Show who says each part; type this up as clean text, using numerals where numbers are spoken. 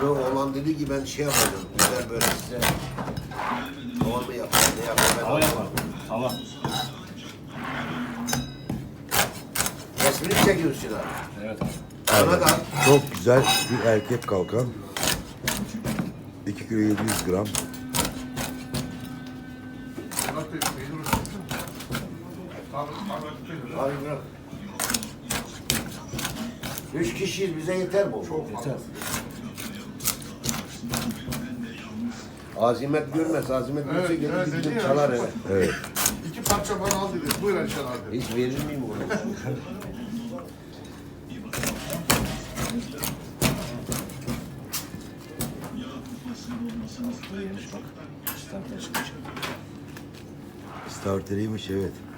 Speaker 1: Sonra oğlan dedi ki ben şey yapacağım. Güzel böyle size hava mı yapayım, ne yapayım?
Speaker 2: Hava yapar. Hava.
Speaker 1: Resmini çekiyorsun abi.
Speaker 2: Evet abi.
Speaker 1: Bana da
Speaker 3: Çok güzel bir erkek kalkan. 2 kilo 700 gram.
Speaker 1: abi bırak. 3 kişiyiz bize yeter bu.
Speaker 2: Yeter.
Speaker 1: Azimet görmez. Azimet görse gelir
Speaker 4: evet,
Speaker 1: bizim
Speaker 4: dedi ya.
Speaker 1: çalar eve.
Speaker 3: Evet.
Speaker 4: 2 parça bana al dedi. Buyur Ayşen abi.
Speaker 1: Hiç verir miyim bunu?
Speaker 2: Yemiş bak. Starter çıkmış.
Speaker 3: Starteriymiş evet.